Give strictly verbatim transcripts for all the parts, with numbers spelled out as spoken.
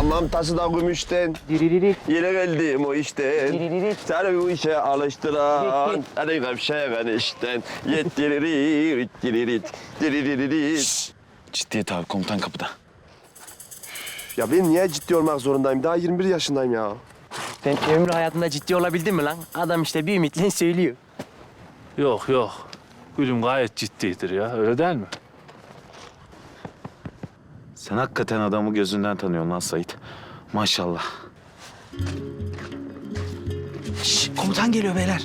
Hamam taşı da gümüşten. Diriririk. Yine geldim o işten. Diriririk. Seni bu işe alıştıran. Hadi kapşayan işten. Yettiririk, diririt, diriririt. Ciddiyet abi, komutan kapıda. Ya ben niye ciddi olmak zorundayım? Daha yirmi bir yaşındayım ya. Sen ömrü hayatında ciddi olabildin mi lan? Adam işte bir ümitle söylüyor. Yok yok. Gülüm gayet ciddidir ya. Öyle değil mi? Sen hakikaten adamı gözünden tanıyorsun lan Sait. Maşallah. Şş, komutan geliyor beyler.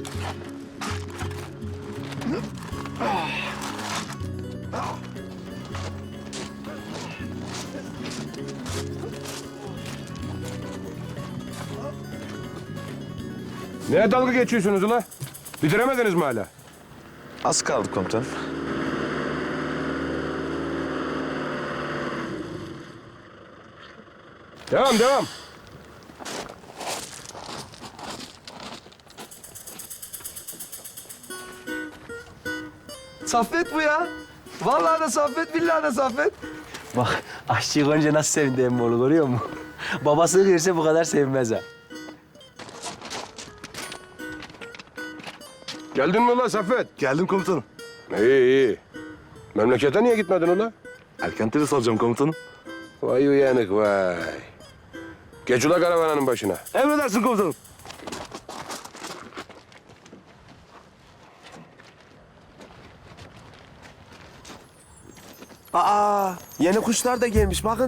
Neye dalga geçiyorsunuz ula? Bitiremediniz mi hala? Az kaldı komutanım. Devam, devam. Saffet bu ya. Vallahi de Saffet, billahi de Saffet. Bak aşçıyı görünce nasıl sevindi emmoğlu görüyor musun? Babası görse bu kadar sevinmez ha. Geldin mi ula Saffet? Geldim komutanım. İyi, iyi. Memlekete niye gitmedin ula? Erken terhis alacağım komutanım. Vay uyanık vay. Geç ula karavananın başına. Emredersin komutanım. Aa, yeni kuşlar da gelmiş bakın.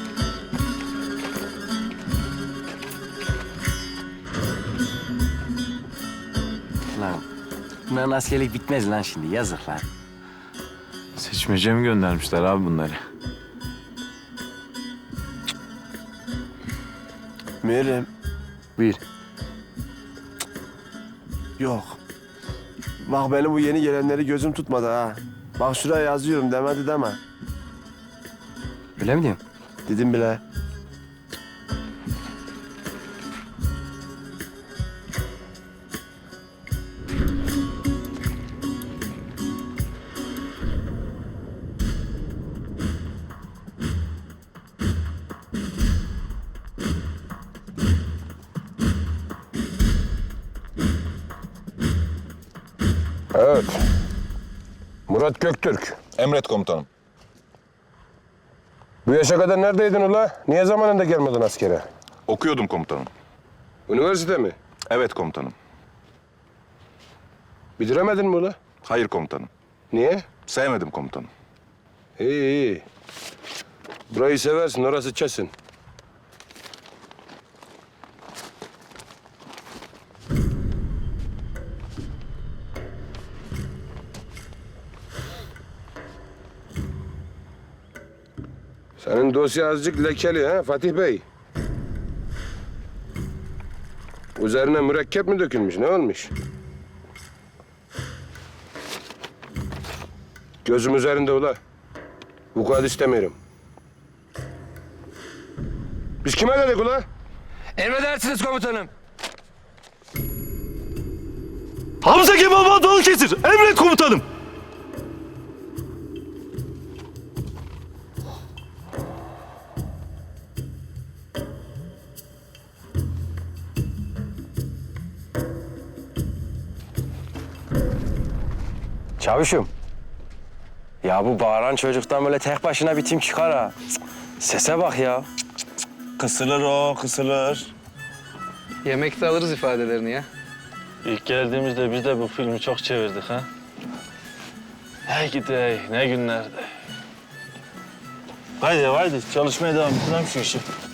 Lan bunların askerlik bitmez lan şimdi yazık lan. Seçmece mi göndermişler abi bunları? Meryem, Buyur. yok. Bak benim bu yeni gelenleri gözüm tutmadı ha. Bak şuraya yazıyorum demedi deme. Öyle mi diyorsun? Dedim bile. Evet. Murat Göktürk. Emret komutanım. Bu yaşa kadar neredeydin ula? Niye zamanında gelmedin askere? Okuyordum komutanım. Üniversite mi? Evet komutanım. Bitiremedin mi ula? Hayır komutanım. Niye? Sevmedim komutanım. İyi, iyi. Burayı seversin, orası Çesin. Senin dosya azıcık lekeli ha Fatih Bey. Üzerine mürekkep mi dökülmüş, ne olmuş? Gözüm üzerinde ula. Vukuat istemiyorum. Biz kime dedik ula? Emredersiniz komutanım. Hamza Kemal Balıkesir. Emret komutanım. Çavuşum. Ya bu bağıran çocuktan böyle tek başına bir tim çıkar ha. Cık, sese bak ya. Kısılır o, kısılır. Yemekte alırız ifadelerini ya. İlk geldiğimizde biz de bu filmi çok çevirdik ha. Hey gidi ne günlerdi. Haydi haydi çalışmaya devam edelim şu işi.